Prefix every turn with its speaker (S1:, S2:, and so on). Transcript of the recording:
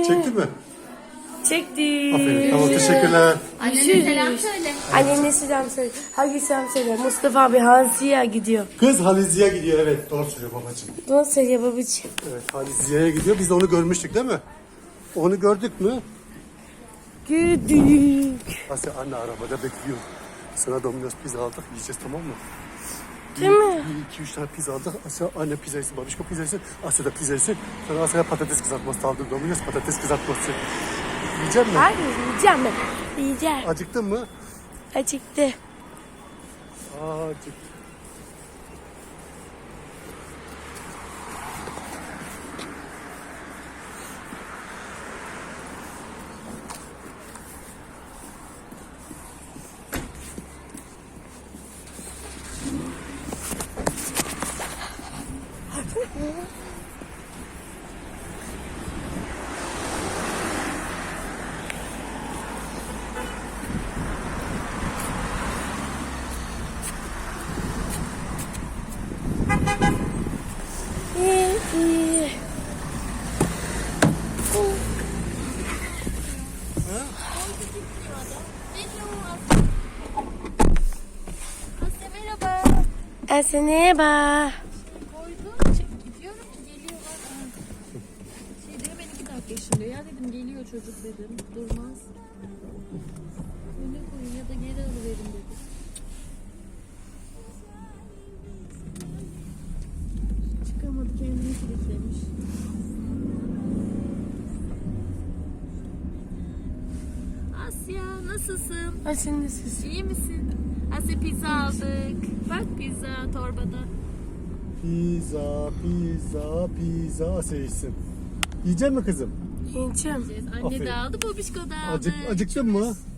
S1: Çekti mi?
S2: Çekti.
S1: Aferin. Tamam, teşekkürler.
S3: Annene selam söyle.
S2: Annene selam söyle. Hangi selam söyle? Mustafa abi Hansi'ye gidiyor.
S1: Kız Haliziye gidiyor, evet. Doğru söylüyor babacığım.
S2: Doğru söylüyor babacığım.
S1: Evet, Haliziye'ye gidiyor. Biz de onu görmüştük değil mi? Onu gördük mü?
S2: Gördük.
S1: Asya anne arabada bekliyor. Sana Domino's pizza aldık, yiyeceğiz, tamam mı?
S2: Değil mi?
S1: 2-3 tane pizza aldık. Asya anne pizza yesin, babişko pizza yesin. Asya da pizza yesin. Sonra Asya'ya patates kızartması aldık. Domino's patates kızartması. Yiyecek misin?
S2: Hayır yiyeceğim ben. Yiyeceğim.
S1: Acıktın mı?
S2: Acıktı.
S1: Acıktım.
S2: İyi, iyi.
S3: Asya merhaba.
S2: Eseneye bak.
S3: Koydum. Gidiyorum ki geliyorlar. Şey diyor ben 2 dakika yaşında. Ya dedim geliyor çocuk dedim. Durmaz. Öne koyun ya da geri alıverin dedim. Çıkamadı kendini kilitlemiş. Asya nasılsın?
S2: Asya nasılsın?
S3: İyi misin? Asya pizza aldık. Bak pizza torbada.
S1: Pizza, pizza, pizza. Asya yesin. Yiyecek mi kızım?
S2: Yiyeceğim.
S3: Anne
S1: Aferin.
S3: de aldı, babişko da aldı.
S1: Acıktın mı?